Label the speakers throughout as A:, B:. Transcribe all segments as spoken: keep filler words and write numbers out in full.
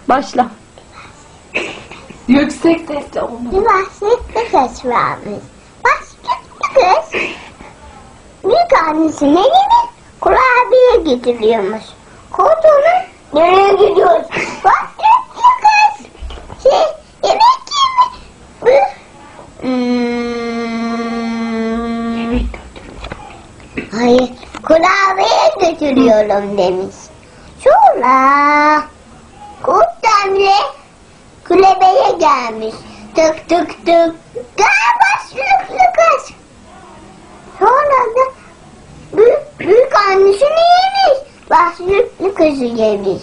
A: Başla. Yüksek sesle olmadı.
B: Bir bahsetli kız varmış. Bahsetli kız büyük annesinin evine kurabiye getiriyormuş. Koduğunu nereye gidiyoruz? Bahsetli kız şey yemek yeme. Hmm. Hayır, kurabiye götürüyorum demiş. Sonra kurt emre kulübeye gelmiş. Tık tık tık. Gel başlıklı kız. Sonra da büyük, büyük annesini yemiş. Başlıklı kızı yemiş.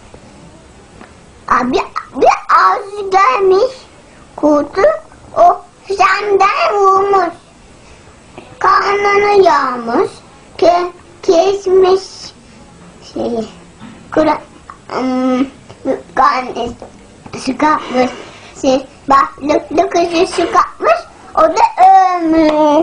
B: Abi bir ağzı gelmiş. Kurtu o senden vurmuş. Karnını yağmış. Ke, kesmiş. Şeyi. Kura, um, karnı sıkatmış. Şey, başlıklı kızı sıkatmış. O da ölmüş.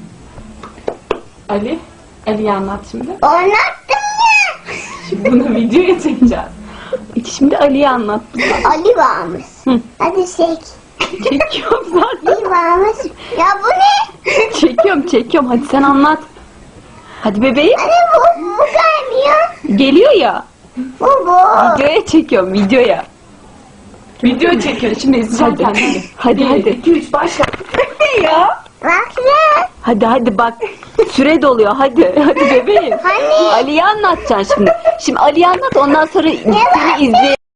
A: Ali, Ali'yi anlat şimdi.
B: Anlattım ya.
A: Şimdi bunu videoya çekeceğiz. Şimdi Ali'yi anlat bize.
B: Ali varmış.
A: Hı.
B: Hadi çek.
A: Çekiyorum zaten.
B: Ali varmış. Ya bu ne?
A: Çekiyorum, çekiyorum. Hadi sen anlat. Hadi bebeğim.
B: Hani bu, bu gelmiyor.
A: Geliyor ya.
B: Bu bu.
A: Videoya çekiyorum, videoya. Video çekiyor. Şimdi izleyeceğim. Hadi, hadi. Hadi, iki, üç, başla. ya.
B: Bak ya.
A: Hadi, hadi bak. Süre doluyor. Hadi, hadi bebeğim.
B: Hani?
A: Ali'yi anlatacaksın şimdi. Şimdi Ali'yi anlat. Ondan sonra seni izleyelim.